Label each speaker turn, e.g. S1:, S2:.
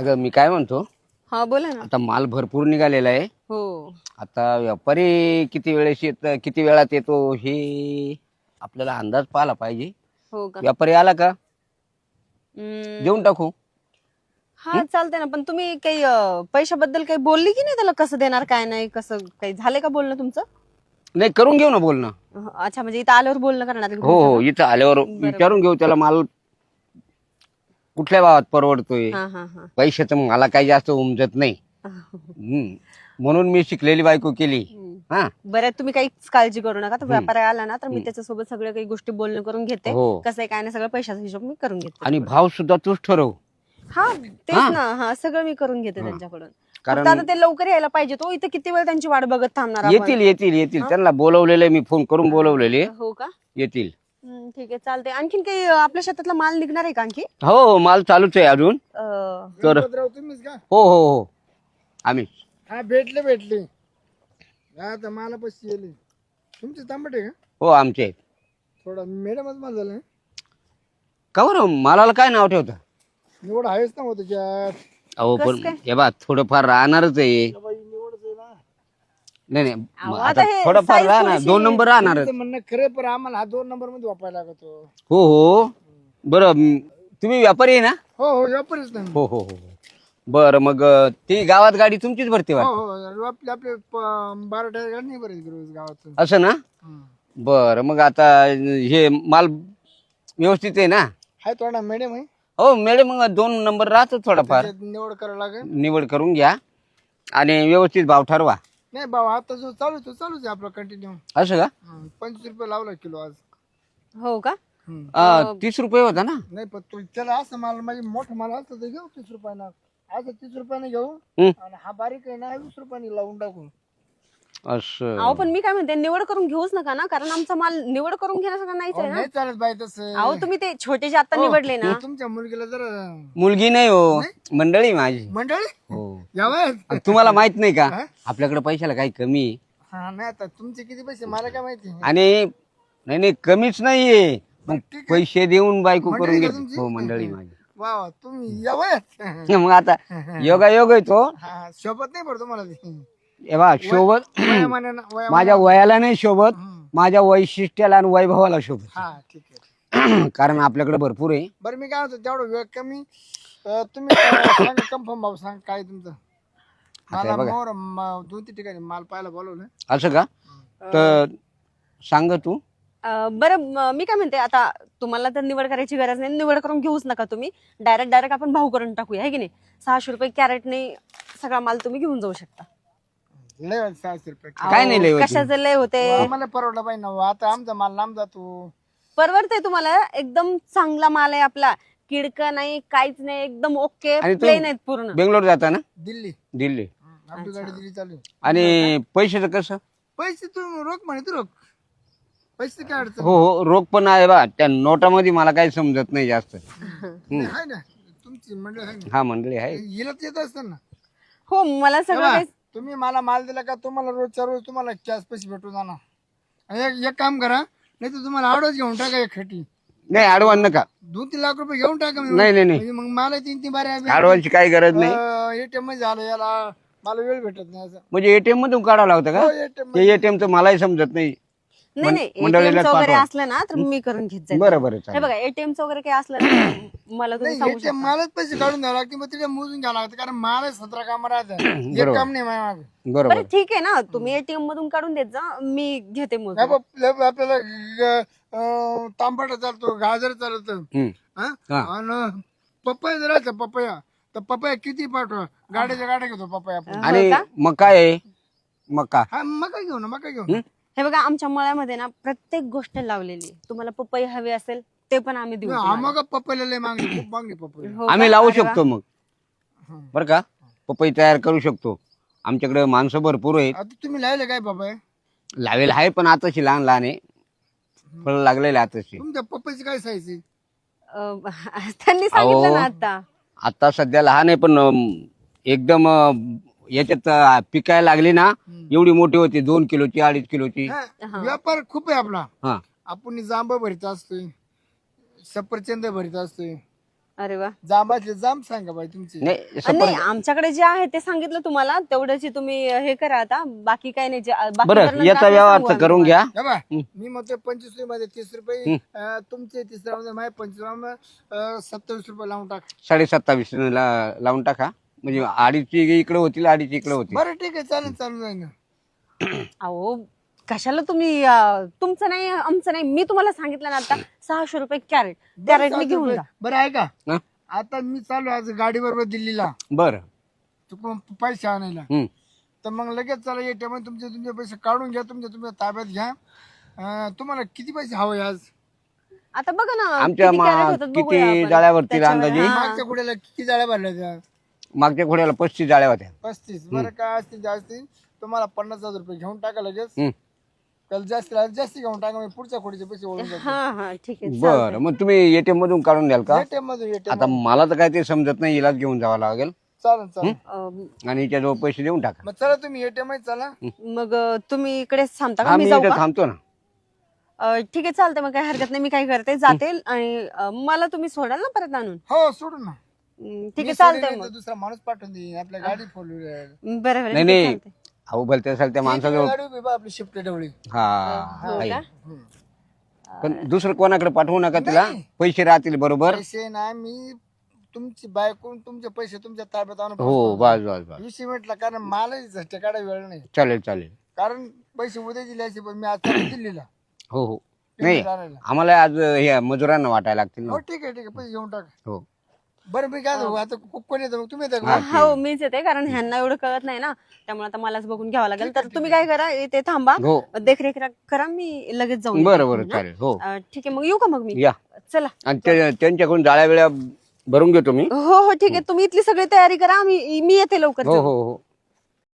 S1: अगं मी काय म्हणतो,
S2: हा बोला ना.
S1: आता माल भरपूर निघालेला आहे.
S2: हो
S1: आता व्यापारी किती वेळात येतो हे आपल्याला अंदाज पाहिला पाहिजे.
S2: हो का.
S1: व्यापारी आला का
S2: हम्म,
S1: देऊन टाकू.
S2: हा चालतंय ना. पण तुम्ही काही पैशाबद्दल काही बोलली की नाही त्याला, कसं देणार काय नाही, कसं काही झालंय का बोलणं तुमचं?
S1: नाही करून घेऊ ना बोलणं.
S2: अच्छा, म्हणजे इथं आल्यावर बोलणं करणार आहे का
S1: हो
S2: तुमचं
S1: हो, इथं आल्यावर
S2: बरं.
S1: विचारून घेऊ त्याला माल कुठल्या भावात परवडतोय.
S2: का? हा हा हा.
S1: पैशाचं मला काही जास्त उमजत नाही. म्हणून मी शिकलेली बायको केली. हा
S2: बरं, तुम्ही काहीच काळजी करू नका. तर व्यापारी आला ना तर मी त्याच्यासोबत सगळ्या काही गोष्टी बोलणं करून घेते.
S1: हो.
S2: कसं आहे काय नाही, सगळं पैशाचा हिशोब मी करून घेते.
S1: आणि भाव सुद्धा तूच ठरव.
S2: हा तेच ना. हा सगळं मी करून घेते त्यांच्याकडून.
S1: कारण-
S2: फक्त आता ते लवकर यायला पाहिजे. तो इथं किती वेळ त्यांची वाट बघत थांबणार आपण?
S1: येतील येतील येतील त्यांना बोलवलेले, मी फोन करून बोलवलेले.
S2: हो का.
S1: येतील.
S2: ठीक आहे, चालते. आणखीन काही आपल्या शेतातला माल निघणार आहे का आणखी?
S1: हो हो, माल चालूच आहे अजून. तर
S3: गणपतराव तुम्हीच का?
S1: हो हो हो, आम्ही
S3: हा भेटले आता मला पैसे येले. तुमचे तांबट आहे का?
S1: हो आमचे आहेत.
S3: थोडा मॅडमच मला झालं.
S1: का बरं मालाला काय नाव ठेवता?
S3: निवड आहेच ना हो त्याच्यात.
S1: अहो
S2: कसं
S1: पण
S2: काय?
S1: हे बा थोडंफार राहणारच आहे.
S3: बाई निवडच आहे ना.
S1: नाही
S2: अहो,
S1: नाही,
S2: आता
S1: आता
S2: हे
S1: थोडंफार
S2: size
S1: राहणार,
S2: थोडीशी-
S1: 2 नंबर राहणारच.
S3: तुमचं म्हणणं खरं, पण आम्हाला हा 2 नंबर मध्ये वापरायला लागतो.
S1: हो हो, बरं तुम्ही व्यापारी आहे ना?
S3: हो व्यापारीच नाही.
S1: हो हो हो. बरं मग ती गावात गाडी तुमचीच भरते
S3: हो
S1: वाटतं.
S3: हो आपले 12 टायर गाडी नाही बरेच रोज गावात.
S1: असं ना? बरं मग आता हे माल व्यवस्थित आहे ना?
S3: हाय थोडा मॅडम आहे.
S1: हो मॅडम, मग 2 नंबर राहतो थोडाफार.
S3: त्याच्यात निवड करावं लागेल.
S1: निवड करून घ्या आणि व्यवस्थित भाव ठरवा.
S3: नाही बाबा, आता जो चालूच आहे आपला कंटिन्यू.
S1: असं का?
S3: 25 रुपये लावला किलो आज.
S2: हो का.
S1: 30 रुपये होता ना?
S3: नाही पण तू त्याला असं माल, म्हणजे मोठं माल असतं तर घेऊ 30 रुपयानं. असं 30 रुपयाने घेऊ.
S1: हं.
S3: आणि हा बारीक आहे ना 20 रुपयाने लावून टाकू.
S1: असं.
S2: अहो पण मी काय म्हणते, निवड करून घेऊच नका ना, कारण आमचा माल निवड करून घेण्यासारखा नाहीच आहे ना.
S3: नाही चालत बाई तसं.
S2: अहो तुम्ही ते छोटे जे आता निवडले ना.
S3: तुमच्या मुलगीला जरा
S1: मुलगी नाही हो, मंडळी माझी.
S3: मंडळी
S1: हो.
S3: यावं.
S1: तुम्हाला माहित नाही का आपल्याकडे पैशाला काही कमी आहे?
S3: हा नाही, आता तुमचे किती पैसे मला काय माहिती.
S1: आणि नाही नाही कमीच नाहीये. मग
S3: ठीक आहे.
S1: पैसे देऊन बायको
S3: मंडळी
S1: करून
S3: का
S1: घेते.
S3: तुमची?
S1: हो मंडळी माझी.
S3: वा वा, तुम्ही यावं.
S1: मग आता योगा योग आहे तो.
S3: हा शोभत नाही पडतो मला ते.
S1: हे बा शोभत
S3: वयामानानं-
S1: माझ्या वयाला नाही शोभत, माझ्या वैशिष्ट्याला आणि वैभवाला शोभत.
S3: हा ठीक आहे.
S1: कारण आपल्याकडे भरपूर आहे.
S3: बरं मी काय म्हणतो, तेवढं वेळ कमी. तुम्ही सांगा कन्फर्म भाऊ, सांग काय तुमचं. मला मोर 2-3 ठिकाणी माल पाहायला बोलवलं.
S1: असं का? तर सांग तू.
S2: बरं मी काय म्हणते, आता तुम्हाला तर निवड करायची गरज नाही, निवड करून घेऊच नका तुम्ही. डायरेक्ट आपण भाव करून टाकूया, आहे की नाही. 600 रुपये कॅरेटने सगळा माल तुम्ही घेऊन जाऊ शकता.
S3: लय होते 600 रुपये.
S1: काय नाही लय होत.
S2: कशाचे लय होते.
S3: आम्हाला परवडलं पाहिजे ना. आता आमचा माल लांब जातो.
S2: परवडते तुम्हाला, एकदम चांगला माल आहे आपला. किडका नाही, काहीच नाही, एकदम ओके
S1: आणि तू
S2: प्लेन आहेत पूर्ण.
S1: बेंगलोर जाता ना?
S3: दिल्ली
S1: दिल्ली.
S3: आपली गाडी दिल्ली चालू आहे.
S1: आणि पैशाचं कसं?
S3: पैसे तू रोख म्हणे, तू रोख पैसे काय अडचण
S1: हो हो, रोख पण आहे बा. त्या नोटामध्ये मला काही समजत नाही जास्त.
S3: नाही. आहे ना तुमची मंडळ आहे ना.
S1: हा मंडळी आहे.
S3: हिला येत असतं ना.
S2: हो मला सगळं
S3: तेव्हा
S2: काही.
S3: तुम्ही मला माल दिला का, तुम्हाला रोजच्या रोज तुम्हाला कॅश पैसे भेटून जाणार. आणि एक काम करा, नाही तर तुम्हाला आडच घेऊन टाका एक खटी.
S1: नाही आडवान नका.
S3: 2-3 लाख रुपये घेऊन टाका.
S1: नाही नाही नाही,
S3: म्हणजे मग मला 3-3 बारे
S1: आडवानची काही गरज नाही.
S3: एटीएम मध्ये झालं, याला मला वेळ भेटत नाही असं.
S1: म्हणजे एटीएम मधून काढावं लागतं
S3: हो,
S1: का?
S3: ATM
S1: ते एटीएम तर मलाही समजत नाही.
S2: नाही नाही,
S1: मंडळीलाच
S2: ATM चं वगैरे
S1: पाठवा.
S2: असलं ना तर मी करून घेत जाईल.
S1: बरं बरं
S2: हे
S1: चालेल.
S2: बघा, ATM चं वगैरे काही असलं ना मला तुम्ही सांगू
S3: ATM मलाच पैसे काढून द्यावं लागते, मग तिथे मोजून घ्यावं लागतं, कारण मला 17 काम राहतात. एक काम नाही माझ्या मागे.
S1: बरोबर.
S2: बरं ठीक आहे ना, तुम्ही ATM मधून काढून देत जा, मी घेते मग.
S3: आपल्याला तांबट चालतो, गाजर चालतं.
S1: हम्म. हा.
S3: आणि पपया जर राहायचं, पपया तर पपया किती पाठवा, गाड्याच्या गाड्या घेतो पपया आपण.
S1: आणि मका आहे, मका.
S3: हा मका घेऊ ना, मका घेऊ.
S2: हे बघा, आमच्या मळ्यामध्ये ना प्रत्येक गोष्ट लावलेली आहे. तुम्हाला पपई हवी असेल ते पण आम्ही देऊ.
S3: मग पपईला लय मागणी, खूप मागणी पपई.
S2: हो
S1: आम्ही
S2: का?
S1: लावू
S2: अरे वा.
S1: शकतो मग. बर का? पपई तयार करू शकतो. आमच्याकडे माणसं भरपूर आहेत.
S3: आता तुम्ही लावले काय पपया?
S1: लावेल आहे पण आताशी लहान लहान आहे. फळ लागलेले आताशी.
S3: तुमच्या पपईची काय साईज आहे?
S2: त्यांनी सांगितलं ना आता.
S1: आता सध्या लहान आहे पण एकदम याच्यात पिकायला लागली ना, एवढी मोठी होती. 2 किलोची 2.5 किलोची.
S3: व्यापार खूप आहे आपला.
S1: हा.
S3: आपण जांब भरीत असतोय, सफरचंद भरीत असतोय.
S2: अरे वा.
S3: जांबाचे जांब सांगा बाई तुमचे.
S1: नाही
S2: नाही
S1: सफरचंद.
S2: आमच्याकडे जे आहे ते सांगितलं तुम्हाला, तेवढ्याची तुम्ही हे करा आता, बाकी काही नाही. बाकी
S1: बरं
S2: तर नंतर
S1: याचा
S2: आपण
S1: व्यवहार
S2: सांगू
S1: तर
S2: आम्ही
S1: करून
S2: तुम्हाला.
S1: घ्या.
S3: हे बघ, मी म्हणतो 25 रुपये 30 रुपये तुमचे 30 मध्ये माझे 25 27 रुपये लावून टाक.
S1: 27.5 लावून टाका, म्हणजे 2.5 इकडे होतील 2.5 इकडे होतील.
S3: बरं ठीक आहे चालेल चालू जाईल ना.
S2: अहो कशाला तुम्ही तुमचं नाही आमचं नाही, मी तुम्हाला सांगितलं ना आता 600 रुपये कॅरेट, कॅरेटने घेऊन जा.
S3: बरं आहे का
S1: हं?
S3: आता मी चालू आज गाडी बरोबर दिल्लीला
S1: बरं.
S3: चुकून पैसे आणायला,
S1: हम्म.
S3: तर मग लगेच चला ATM मध्ये तुमचे पैसे काढून घ्या, तुमच्या ताब्यात घ्या. तुम्हाला किती पैसे हवे आज?
S2: आता बघा ना
S1: आमच्या
S2: किती कॅरेट होतात बघूया
S1: किती
S2: आपण.
S1: जाळ्यावरती
S2: त्याच्यावर-
S1: अंदाजे?
S2: हा.
S3: मागच्या कुड्याला किती जाळ्या भरल्या त्या?
S1: मागच्या घोड्याला 35 जाळ्या होत्या.
S3: 35. बरं काय असतील जास्त तुम्हाला 50,000 रुपये घेऊन टाका लगेच.
S1: हम्म.
S3: त्याला जास्त घेऊन टाका, मी पुढच्या खोडीचे पैसे ओळून जातो.
S2: हा हा ठीक आहे
S1: बरं मग तुम्ही ATM मधून काढून द्याल का?
S3: ATM मध्ये
S1: आता मला तर काय ते समजत नाही, इलाज घेऊन जावं लागेल
S3: चालेल चालेल.
S1: आणि हिच्याजवळ पैसे देऊन टाका.
S3: मग चला तुम्ही ATM मध्ये चला.
S2: मग तुम्ही इकडे थांबता
S1: हा
S2: का?
S1: मी
S2: मी जाऊ
S1: इथे
S2: का?
S1: थांबतो ना.
S2: ठीक आहे चालतंय, मग काही हरकत नाही. मी काय करते जाते आणि मला तुम्ही सोडाल ना परत आणून?
S3: हो सोडून ना.
S2: ठीक आहे
S3: मी
S2: चालतंय
S3: सोडीन
S2: मग.
S3: तर दुसरा माणूस पाठवून देईन, आपल्या गाडी फोर व्हीलर
S2: बरं बरं
S1: नाही
S2: ठीक आहे,
S1: नाही
S2: चालतंय.
S1: अहो भलते असेल त्या माणसाजवळ.
S3: गाडी उभी बा आपली शिफ्ट डवळी.
S1: हा
S2: हो
S1: आहे.
S2: का?
S1: पण दुसरं कोणाकडे पाठवू नका तिला, पैसे राहतील बरोबर.
S3: पैसे ना मी तुमची बायकून तुमचे पैसे तुमच्या ताब्यात आणून
S1: हो बस बस बस
S3: विषय म्हटलं, कारण मलाही झटके काढायला वेळ नाही,
S1: चालेल चालेल.
S3: कारण पैसे उद्या दिले असते पण मी आज चालू दिल्लीला
S1: हो हो नाही
S3: आणायला.
S1: आम्हाला आज हे मजुरांना वाटायला लागतील ना.
S3: हो ठीक आहे पैसे घेऊन टाका.
S1: हो
S3: बरं मी काय सांगू, आता कोण येतं मग तुम्ही येता का?
S2: हो मीच येते, कारण ह्यांना एवढं कळत नाही ना, त्यामुळे आता मलाच बघून घ्यावं लागेल. तर तुम्ही काय करा, इथे थांबा,
S1: हो
S2: देखरेख करा, मी लगेच जाऊन
S1: बरं
S2: येते.
S1: बरं चालेल. हो
S2: ठीक आहे मग येऊ का मग मी?
S1: या.
S2: चला.
S1: आणि त्यांच्याकडून जाळ्या वेळा भरून घेतो मी.
S2: हो हो ठीक आहे, तुम्ही इथली सगळी तयारी करा, मी येते लवकर.
S1: हो हो हो